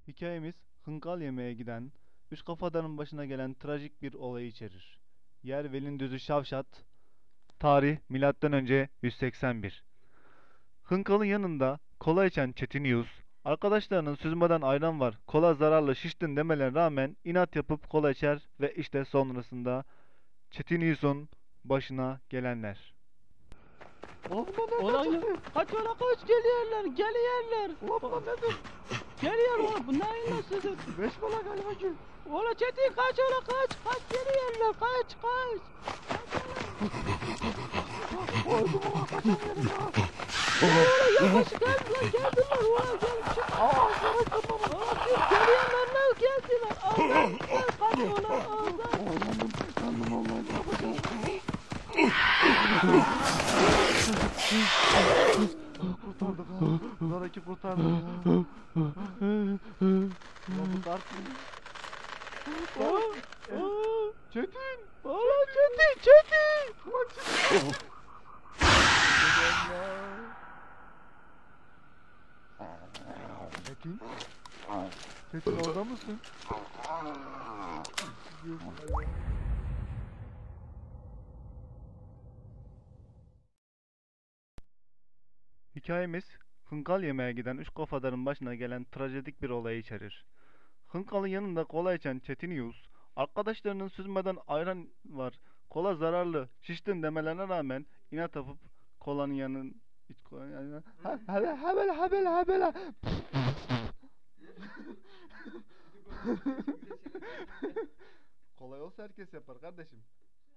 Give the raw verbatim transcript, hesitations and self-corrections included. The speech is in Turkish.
Hikayemiz hınkal yemeye giden, üç kafadarın başına gelen trajik bir olayı içerir. Yer Velindüzü Şavşat, tarih milattan önce yüz seksen bir. Hınkal'ın yanında kola içen Çetin Yus, arkadaşlarının süzmeden ayran var, kola zararlı şiştin demelerine rağmen inat yapıp kola içer ve işte sonrasında Çetin Yus'un başına gelenler. Ulan bunlar nereden Ulan ya, çıktı? kaç ola kaç geliyorlar, geliyorlar. Ulan bunlar nedir? Geliyor ulan, bu neyin nasıldır? Beş bala galiba ki. Ola Çetin kaç ola kaç, kaç geliyorlar, kaç kaç. Öldüm ulan kaçamıyorum ya. Ola yavaş geldi lan, geldiler ulan gel çık. Aa sana kırmamı. Ulan siz geliyorlar lan, geldiler. Allah sen kaç ola Allah. Oğlum kandım Allah'ım ne yapacağım? Kurtardık ha. Zaraki kurtardık ya. Ulan bu kart mı? Aa, aa. Çetin. Ola Çetin, Çetin. Ulan Çetin. Çetin. Çetin orada mısın? Hikayemiz hınkal yemeye giden üç kafadarın başına gelen trajedik bir olayı içerir. Hınkal'ın yanında kola içen Çetin Yus, arkadaşlarının süzmeden ayran var, kola zararlı, şiştin demelerine rağmen inat yapıp kolanın yanın iç kolanın yanına ha hele hebele hebele hebele kolay olsa herkes yapar kardeşim.